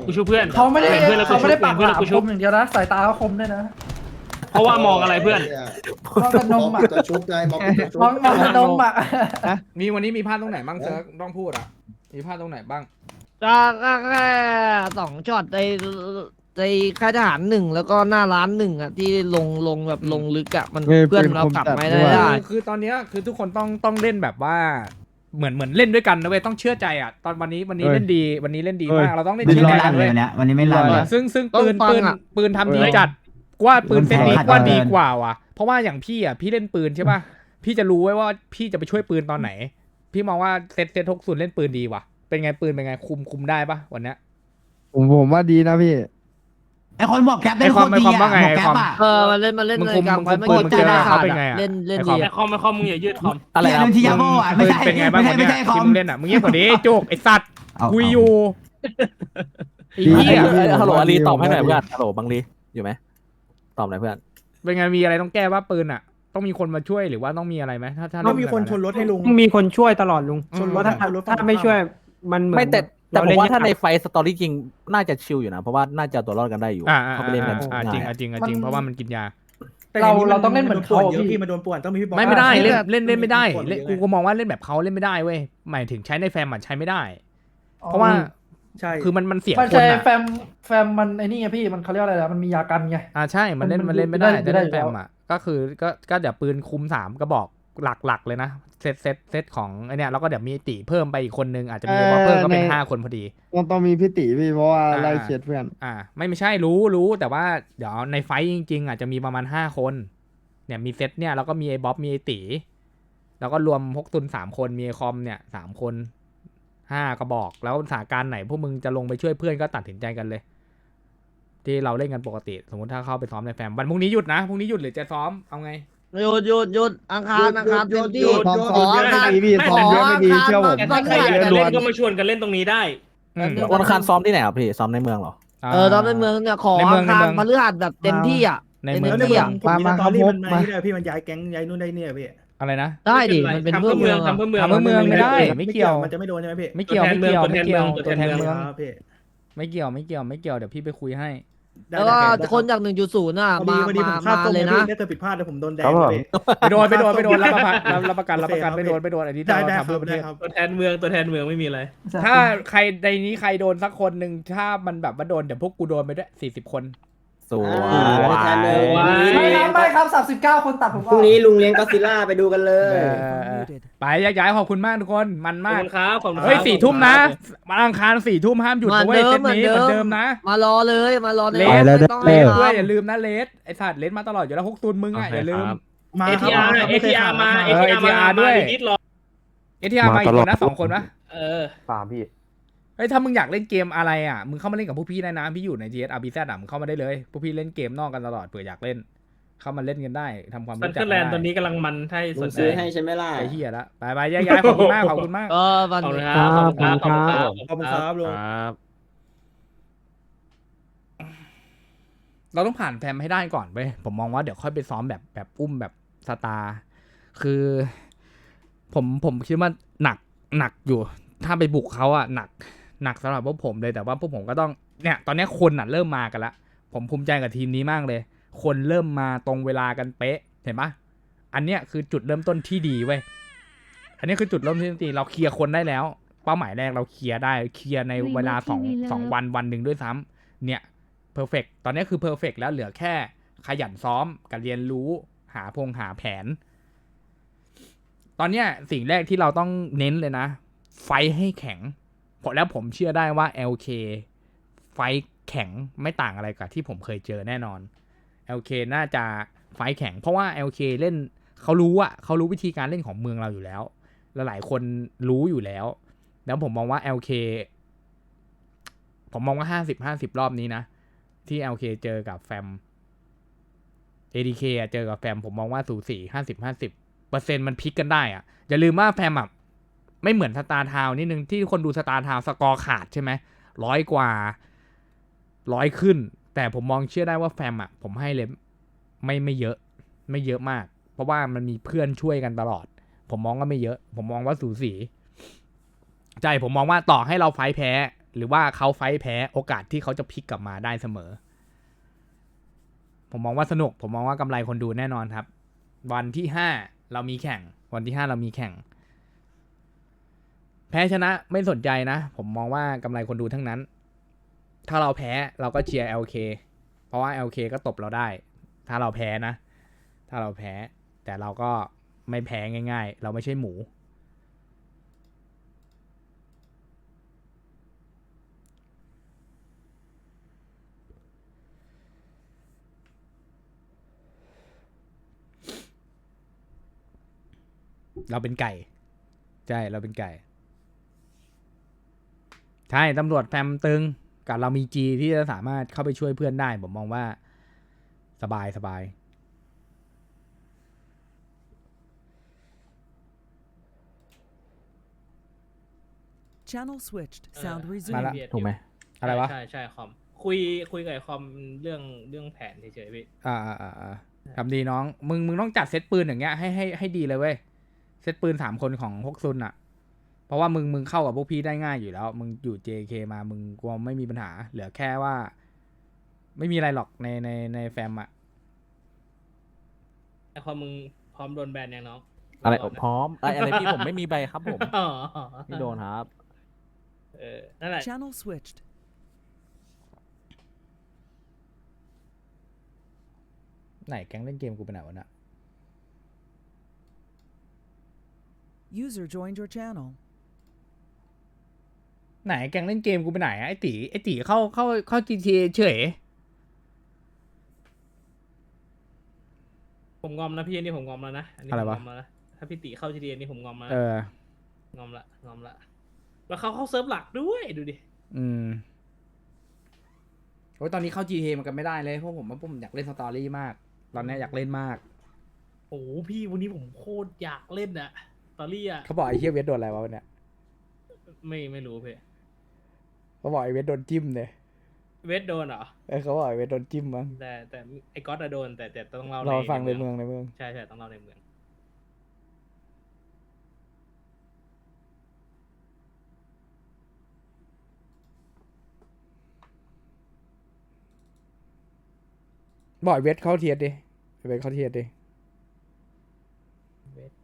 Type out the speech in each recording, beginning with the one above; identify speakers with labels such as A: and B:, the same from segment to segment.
A: กูชูเพื่อน
B: เขาไม่ได้
A: เพื่อนแล้วกู
B: เขา
A: ชู
B: ไม่ได้ปาก
A: เพื่อน
B: ห
A: แล้ว
B: ลาม
A: กู
B: ค
A: ชู
B: มอย่างเดียวนะสายตาเขาคมด้วยนะ
A: เพราะว่ามองอะไรเพื่อน
B: มองกระนมอ่ะ
C: ตัวชุบไงมองตัวชุบ
B: มองกระนมอ่ะ
D: มีวันนี้มีพลาดตรงไหนบ้างเซิร์กต้องพูดอ่ะมีพลาดตรงไหนบ้าง
E: ก็แค่2ช็อตในค่ายทหารหนึ่งแล้วก็หน้าร้านหนึ่งอ่ะที่ลงแบบลงลึกอ่ะมันเพื่อนเรากลับไม่ได้
D: คือตอนเนี้ยคือทุกคนต้องเล่นแบบว่าเหมือนเล่นด้วยกันนะเว้ยต้องเชื่อใจอ่ะตอนวันนี้เล่นดีวันนี้เล่นดีมากเราต้องเล่น
F: ไม่
D: เชื่อ
F: รอ
D: ใจ
F: ด
D: กัน
F: เล
D: เว้
F: ย
D: ย
F: วันเนี้ยวันนี้ไม่รอดเลย
D: ซึ่งปืนทำดีจัดว่าปืนเซตนี้ว่าดีกว่าว่ะเพราะว่าอย่างพี่อ่ะพี่เล่นปืนใช่ป่ะพี่จะรู้ไว้ว่าพี่จะไปช่วยปืนตอนไหน พี่มองว่าเซต60เล่นปืนดีว่ะเป็นไงปืนเป็นไงคุมได้ป่ะวันเนี้ย
G: ผมว่าดีนะพี่
F: ไอคนบอกแคปได้
D: ไอ้
F: โค
D: ความ
F: ตรดี
D: ไอ้ความว่า
F: อ่ะ
D: ไง
F: บอกแคปอ่ะ
E: มันเล่น
D: มึง
E: เลย
D: คุม
E: กลาง
D: มึง
E: ไฟ
D: คุม
E: ไม่
D: มึง
E: เจ
D: เจ
E: อ
D: อ
E: ได้
D: เขา
E: ขาด
D: เป็นไง
E: อะ
D: อ่ะ
E: เล่น
A: ไอ้
E: ดี
A: คอมมึงอย่ายืดคอม
F: อะไรครับทียาโบอ่ะไม่ใช่
D: เป็นไงบ้าง
F: ไม่
D: วัน
F: ใช่
D: เนี้ย
F: ไม่ใช่คอ
D: ที
F: ม
D: มเล่นอ่ะมึงเงียบกว่านี้โจกไอ้สัตว์
F: เอา
D: คุยอยู่ไอ้เหี้ย
G: ฮัลโหลอาลีตอบให้หน่อยเพื่อน
H: ฮัลโหลบังลีอยู่ไหมตอบหน่อยเพื่อน
D: เป็นไงมีอะไรต้องแก้ว่าปืนอ่ะ ต้องมีคนมาช่วยหรือว่าต้องมีอะไรไหมถ้า
I: ต้องมีคนชนรถให้ลุง
J: มีคนช่วยตลอดลุง
I: ชนรถ
J: ถ้าไม่ช่วยมันเหมือน
H: ไม่แต่ผม
J: เล่น
H: ว่าถ้าใน
J: ยก
H: ไฟสตอรี่จริงน่าจะชิลอยู่นะเพราะว่าน่าจะเอาตัวรอดกันได้อยู่
D: อ่า
H: เขาไปเล่นกัน
D: จริง
H: ง่าย
D: จริงเพราะว่ามันกินยา
B: เราต้องเล่นเหมือนเขา
I: เยอะ
B: พี่
I: พี่มาโดนป่วนต้องมีพี่บอล
D: ไม่ได้
B: ใช่
D: เล่นไม่ได้
I: ป่วน
D: เล่น
I: เยอะ
D: กูก็มองว่าเล่นแบบเขาเล่นไม่ได้เว้ยหมายถึงใช้ในแฟมมันใช้ไม่ได้ เพราะว่า
I: ใช่
D: คือมันเสีย
B: มัน
D: คน
B: ใช่
D: อ่ะ
B: แฟมมันไอ้นี่ไงพี่มันเขาเรียกอะไรนะมันมียากันไง
D: ใช่มันเล่น
B: มัน
D: ไม่ได้
B: ไม่ได้
D: แต่เล่น
B: อยู่
D: แฟ
B: แล้ว
D: มอ่ะก็คือก็เดี๋ยวปืนคุม3กระบอกหลักเลยนะเซตของไอเนี้ยแล้วก็เดี๋ยวมีตีเพิ่มไปอีกคนนึงอาจจะมีบอเพิ่มก็เป็น5 คนพอดี
G: ต้องมีพี่ติพี่เพราะว่าไล่เช็ดเพื่อน
D: ไม่ใช่รู้แต่ว่าเดี๋ยวในไฟท์จริงๆอาจจะมีประมาณ5 คนเนี่ยมีเซตเนี่ยแล้วก็มีไอ้บ๊อบมีไอ้ตีแล้วก็รวมพกตุน3 คนมีไอ้คอมเนี่ย3 คน5 กระบอกแล้วสถานการณ์ไหนพวกมึงจะลงไปช่วยเพื่อนก็ตัดสินใจกันเลย ที่เราเล่นกันปกติสมมติถ้าเข้าไปซ้อมในแฟมวันพรุ่งนี้หยุดนะพรุ่งนี้หยุดหรือจะซ้อมเอาไง
E: หยุดอังคารเต็มที่
G: ซ้อม
E: ขออังคาร
G: ไม่ดีพี่ซ้อมเยอะไม่ดีเชื่อผม
A: แต่ถ้าใครอยากจะเล่นก็มาชวนกันเล่นตรงนี้ได้
H: วันอังคารซ้อมที่ไหนครับพี่ซ้อมในเมืองเหรอ
E: ตอนในเมืองเนี่ยขออังคารพฤหัสแบบเต็มที่อ่ะ
D: ในเมือง
I: แล้วในเมืองผมมีสตอรี่มันมาที่ไหนพี่มันย้ายแก๊งย้ายนู่นได้เนี่ยพี่
D: อะไรนะ
E: ได้ดิมันเป็นเพื่อเมือง
A: ทำเพื่อเมือง
D: ทำเพื่อเมืองไม่ได้ ไม่เกี่ยว
I: มันจะไม่โดนใช่ไหมพี่
D: ไม่เกี่ยวตัวแทนเมือง
I: ครับพี่
D: ไม่เกี่ยวเดี๋ยวพี่ไปคุยให้
E: แล้วก็คนจาก1.0น่ะ
I: พอดีผมข้ามตรง
E: เลย
I: พี่
E: นะ
I: ถ้าเกิดผิดพลาดเดี๋ยวผมโดนแดง
D: ไปโดนรับประกันไม่โดนอันนี้
I: ได้
D: เรา
I: ครั
D: ทำเพื่อประเทศ
I: บ
A: ตัวแทนเมืองไม่มีอะไร
D: ถ้าใครในนี้ใครโดนสักคนหนึ่งถ้ามันแบบว่าโดนเดี๋ยวพวกกูโดนไปด้วย40 คน
H: สวย
B: ไม่ครับ39 คนตัดผม
J: พรุ่งนี้ลุงเลี้ยงก็ซิล่าไปดูกันเลย
D: ไปย้ายขอบคุณมากทุกคนมัน
A: ขอบ
D: มาก
A: คุณครับขอบคุณครับ
D: เฮ้ย4 ทุ่มนะวันอังคาร4 ทุ่มห้ามหยุดนะเว้ยเซตนี้เหมือนเดิมนะ
E: มารอเลยมารอใน
D: เล
E: ร
D: ส
E: ไม่ต้อง
D: เล
E: ให้
D: สด้วย
E: ทำ
D: อย่าลืมนะเลสไอสัตว์เลสมาตลอดอยู่แล้ว6 ตุนมึงอ่ะอย่าลืม
I: มา
A: ATR มา ATR
D: ด้วย
A: นิดรอ
D: ATR มาอีกคนนะ2 คนปะ
G: ตามพี่
D: เฮ้ยถ้ามึงอยากเล่นเกมอะไรอ่ะมึงเข้ามาเล่นกับพวกพี่ได้นะพี่อยู่ใน GSRBZ อ่ะมึงเข้ามาได้เลยพวกพี่เล่นเกมนอกกันตลอดเผื่ออยากเล่น เข้ามาเล่นกันได้ทำความ
A: ซัน
D: รู้
A: เด
D: จั
A: อก ร์แลนด์ตอนนี้กำลังมันให้สนใจ
J: ซื้อให้ใช่ไหมล่ะ
D: ไอ้เหี้ยละไปย้ายขอบคุณมากขอบคุณมาก
E: วัน
A: ขอบคุณ
E: นี้
A: ครับขอบคุณครับ
I: ขอบคุณครับลุง
D: เราต้องผ่านแฟมให้ได้ก่อนไปผมมองว่าเดี๋ยวค่อยไปซ้อมแบบอุ้มแบบสตาร์คือผมคิดว่าหนักอยู่ถ้าไปบุกเขาอะหนักสำหรับพวกผมเลยแต่ว่าพวกผมก็ต้องเนี่ยตอนนี้คนอะเริ่มมากันละผมภูมิใจกับทีมนี้มากเลย คนเริ่มมาตรงเวลากันเป๊ะเห็นปะอันเนี้ยคือจุดเริ่มต้นที่ดีเว้ยอันนี้คือจุดเริ่มต้นที่ดีเราเคลียร์คนได้แล้วเป้าหมายแรกเราเคลียร์ได้เคลียร์ในเวลา2 วันหนึ่งด้วยซ้ำเนี่ยเพอร์เฟกตอนนี้คือเพอร์เฟกแล้วเหลือแค่ขยันซ้อมกับเรียนรู้หาแผนตอนเนี้ยสิ่งแรกที่เราต้องเน้นเลยนะไฟให้แข็งแล้วผมเชื่อได้ว่า LK ไฟแข็งไม่ต่างอะไรกับที่ผมเคยเจอแน่นอน LK น่าจะไฟแข็งเพราะว่า LK เล่นเขารู้วิธีการเล่นของเมืองเราอยู่แล้วและหลายคนรู้อยู่แล้วแล้วผมมองว่า LK ผมมองว่า50-50 รอบนี้นะที่ LK เจอกับแฟม ADK เจอกับแฟมผมมองว่าสูสี50-50%มันพลิกกันได้อะอย่าลืมว่าแฟมอ่ะไม่เหมือนสตาร์ทาวน์นิดนึงที่คนดูสตาร์ทาวน์สกอร์ขาดใช่ไหม100 กว่า100ขึ้นแต่ผมมองเชื่อได้ว่าแฟมอ่ะผมให้เลยไม่เยอะมากเพราะว่ามันมีเพื่อนช่วยกันตลอดผมมองว่าไม่เยอะผมมองว่าสูสีใช่ผมมองว่าต่อให้เราไฟแพ้หรือว่าเขาไฟท์แพ้โอกาสที่เขาจะพลิกกลับมาได้เสมอ ผมมองว่าสนุก ผมมองว่ากำไรคนดูแน่นอนครับ วันที่5เรามีแข่ง วันที่5เรามีแข่ง แพ้ชนะไม่สนใจนะ ผมมองว่ากำไรคนดูทั้งนั้น ถ้าเราแพ้เราก็เชียร์ LK เพราะว่า LK ก็ตบเราได้ ถ้าเราแพ้นะ ถ้าเราแพ้ แต่เราก็ไม่แพ้ง่ายๆ เราไม่ใช่หมู เราเป็นไก่ ใช่ เราเป็นไก่ ใช่ ตำรวจแฟมตึง กับเรามีจีที่จะสามารถเข้าไปช่วยเพื่อนได้ ผมมองว่าสบายสบาย
C: Channel switched. Sound
D: มา
C: resumed.
D: ละ
H: ถูกไหม
D: อะไรวะ
A: ใช่คอมคุยกับไอ้คอมเรื่องแผนเฉยๆพี่
D: ทำดีน้อง มึงต้องจัดเซตปืนอย่างเงี้ยให้ดีเลยเว้ย เซตปืน3 คนของฮกซุนอ่ะ เพราะว่ามึงเข้ากับพวกพี่ได้ง่ายอยู่แล้ว มึงอยู่ JK มา มึงกลัวไม่มีปัญหา เหลือแค่ว่า ไม่มีอะไรหรอกในแฟมอ่ะ
A: ไอ้คอมมึงพร้อมโดนแบนยังน้อง
H: อะไร
A: ก่นน
H: พร้อมอะไรพี่ผมไม่มีใบครับผม
A: อ๋อ
H: ไม่โดนครับ
A: นั่นแหละ
C: Channel switched.
D: ไหนแก๊งเล่นเกมกูไปไหนวะน่ะ
C: User joined your channel.
D: ไหนแก๊งเล่นเกมกูไปไหนอะไอตีเข้า GTA เฉย
A: ผมงอมนะพี่อันนี้ผมงอมแล้วนะอันนี้
D: อะไร
A: ผม
D: วะ
A: งอมแล้วนะถ้าพี่ติเข้า GTA นี่ผมงอมแล้ว
D: เอ
A: นะ
D: อ
A: งอมละแล้วเขาเข้าเซิร์ฟหลักด้วยดูดิ
D: โอ้ยตอนนี้เข้า GTA มันกันไม่ได้เลยเพราะผมอยากเล่นสตอรี่มาก ตอนนี้อยากเล่นมาก
A: โอ้โหพี่วันนี้ผมโคตรอยากเล่นอะตอรี่อะ
D: เขาบอกไอ้เฮียเวทโดนอะไรวะวันเนี้ย
A: ไม่รู้พี่
D: เขาบอกไอ้เวทโดนจิ้มเลย
A: เวทโดนเหรอ
D: เขาบอกไอ้เวทโดนจิ้มมั้ง
A: แต่ไอ้ก๊อตอะโดนแต่ต้องเล่า
D: เราฟังใน
A: ใน
D: เมืองในเมือง
A: ใช่ต้องเล่าในเมือง
D: บอกไอ้เวทเข้าเทียดดิไอ้เวทเข้าเทียดดิ
A: เวท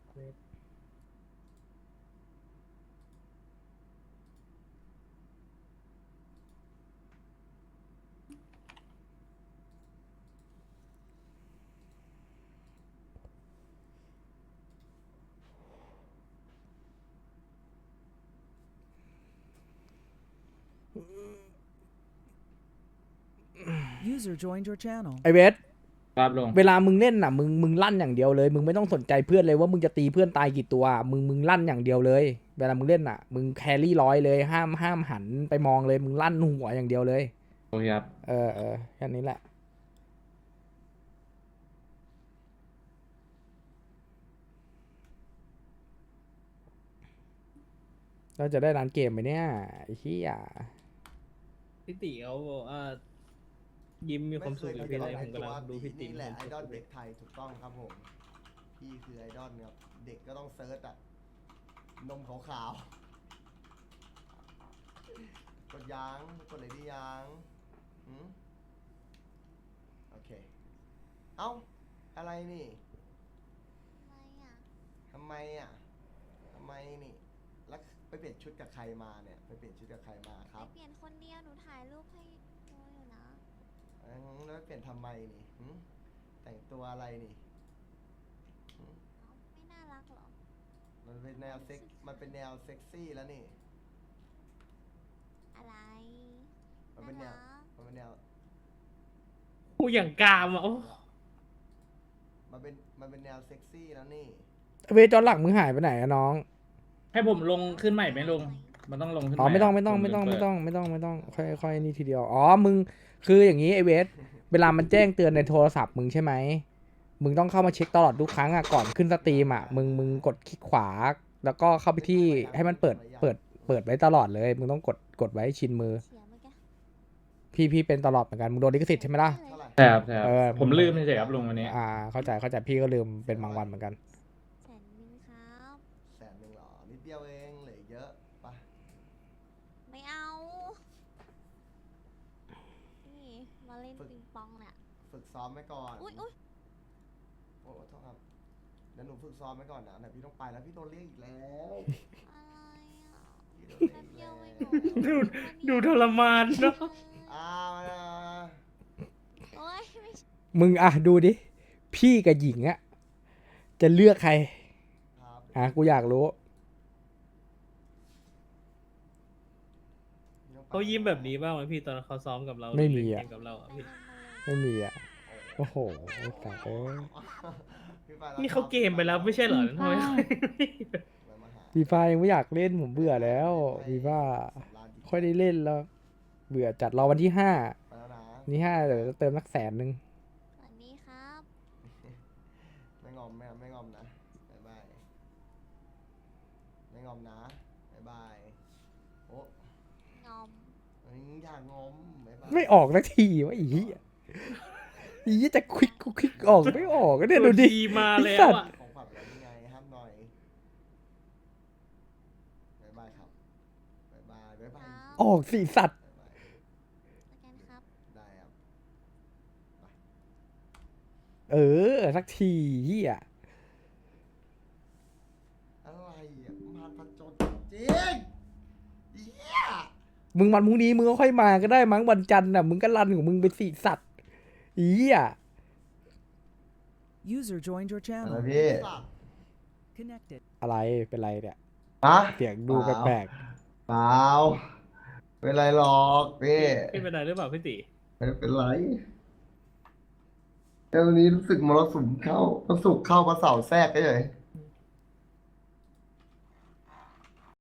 C: User joined your channel.
D: ไอ้เวท
A: ครับลง
D: เวลามึงเล่นน่ะมึงลั่นอย่างเดียวเลย มึงไม่ต้องสนใจเพื่อนเลยว่ามึงจะตีเพื่อนตายกี่ตัว มึงลั่นอย่างเดียวเลย เวลามึงเล่นน่ะ มึงแครี่ร้อยเลยห้ามหันไปมองเลย มึงลั่นหัวอย่างเดียวเลย
A: โอเคครับ
D: แค่นี้แหละ เราจะได้ร้านเกมไหมเนี่ยไอ้เหี้ย
A: พี่ติเขาบอกว่ายิ้มมีความสุขอยู่ที่ไรผมกำลังดูพี่ติ
K: นี่แหละไอดอลเด็กไทยถูกต้องครับผมพี่คือไอดอลครับเด็กก็ต้องเซิร์ชอะนมขาวๆกดยางกดเลยดิยางโอเคเอ้าอะไรนี่ทำไมนี่แล้วไปเปลี่ยนชุดกับใครมาเนี่ยไปเปลี่ยนชุดกับใครมาครับ
L: เปลี่ยนคนเดียวหนูถ่ายรูปให้ดูอยู่นะ
K: แล้วเปลี่ยนทำไมนี่แต่งตัวอะไรนี่
L: ไม่น่ารักหรอ
K: มันเป็นแนวเซ็กซี่แล้วนี่
L: อะไร
K: มันเป็นแนว
A: กูอย่างกามอ่ะโอ้
K: มันเป็นแนวเซ็กซี่แล้วนี่
D: เวทจอหลักมึงหายไปไหนอะน้อง
A: ให้ผมลงขึ้นใหม่ไหมลุงมันต้องลงขึ้น
D: อ๋อไม่ต้องค่อยนี่ทีเดียวอ๋อมึงคืออย่างนี้ไอเวทเวลามันแจ้งเตือนในโทรศัพท์มึงใช่ไหมมึงต้องเข้ามาเช็คตลอดทุกครั้งอ่ะก่อนขึ้นสตรีมอ่ะมึงกดคลิกขวาแล้วก็เข้าไปที่ให้มันเปิดไว้ตลอดเลยมึงต้องกดไว้ชินมือ
L: เสียเมื่อกี้
D: พี่เป็นตลอดเหมือนกันมึงโดนลิขสิทธิ์ใช่ไหมล่ะ
K: เท่าไหร่
A: ใช่ครับ
D: ผมลืม
A: เฉยครับลุงวันนี้
D: เข้าใจพี่ก็ลืมเป็นบางวันเหมือนกัน
L: 100,000ครับ
K: 100,000หรอนิดเดียวเองเหลือเยอะปะ
L: ไม่เอาเล่นปิงปองเนี่ย
K: ฝึกซ้อมไว้ก่อน
L: อุ้ย
K: โอ้โทษครับเดี๋ยวหนูฝึกซ้อมไว้ก่อนนะเดี๋ยวพี่ต้องไปแล้วพี่โดนเรียกอีกแล้ว
L: อะไรอ่ะ
K: พี่โดน
L: แป๊บเดี
K: เรี
L: ย
K: ยว ก
L: เอ
K: อี
L: ง
K: ก
L: เหรอ
A: ดูทรมานเนาะ
K: อ้าว
L: โอ้ยไม่ใช่
D: มึงอ่ะดูดิ พี่กับหญิงอะจะเลือกใคร
K: ครับ
D: กูอยากรู้
A: เขายิ้มแบบนี้บ้างไหมพี่ตอนเขาซ้อมกับเรา
D: ไม่มีอะ
A: เล่นเกกับเราอะพี่
D: ไม่มีอะโอ้โหไอ้สัตว์เอ้ย
K: พี่ไปแล้ว
A: นี่เขาเกมไปแล้วไม่ใช่เหรอทำไมเขา
K: มาหา
D: ฟีฟ่ายังไม่อยากเล่นผมเบื่อแล้วฟีฟ่าค่อยได้เล่นแล้ว เบื่อจัดรอวันที่5
K: ไปแล้วนะ
D: นี่5เดี๋ยวจะเติมสัก100,000
L: สวัสดีครับ
K: ไม่งอมไม่งอมนะบ๊ายบายไม่งอมนะบ๊ายบายโอ้
L: งอม
K: อย่างงอมบ๊ายบาย
D: ไม่ออกสักทีวะอีเหี้ยอีเหี้ยจะควิกออกไม่ออกก็เนี่ยดูดิ
A: ดีมาแล้ว
D: ไอ้สัตว์
A: อะ
K: ของขวัญแล้วยังไงห้ามหน่อยบ๊ายบายครับบ๊ายบายบ๊ายบาย
D: ออกสิสัตว์
K: บ๊ายบาย
L: สแกนครับ
K: ได้ครับ
D: เออสักทีเหี้ย
K: อะไรอ่ะมารผจญจริงเหี้ย
D: มึงวันพรุ่งนี้มึงก็ค่อยมาก็ได้มั้งวันจันทร์น่ะมึงก็รันของมึงไปสิสัตว์อีเหี้ย
C: User joined your
K: อะไร
C: channel.
K: พี่
C: Connected.
D: อะไรเป็นไรเนี่ย
K: ฮะ
D: เสียงดูแปลก
K: เปล่าไม่เป็นไรหรอกพี่
A: พี่เป็นไรหรือเปล่าพี่ติ
K: ไม่เป็นไรแต่วันนี้รู้สึกมรสุมเข้าพระศุกร์เข้าพระเสาร์แทรกเฉยๆ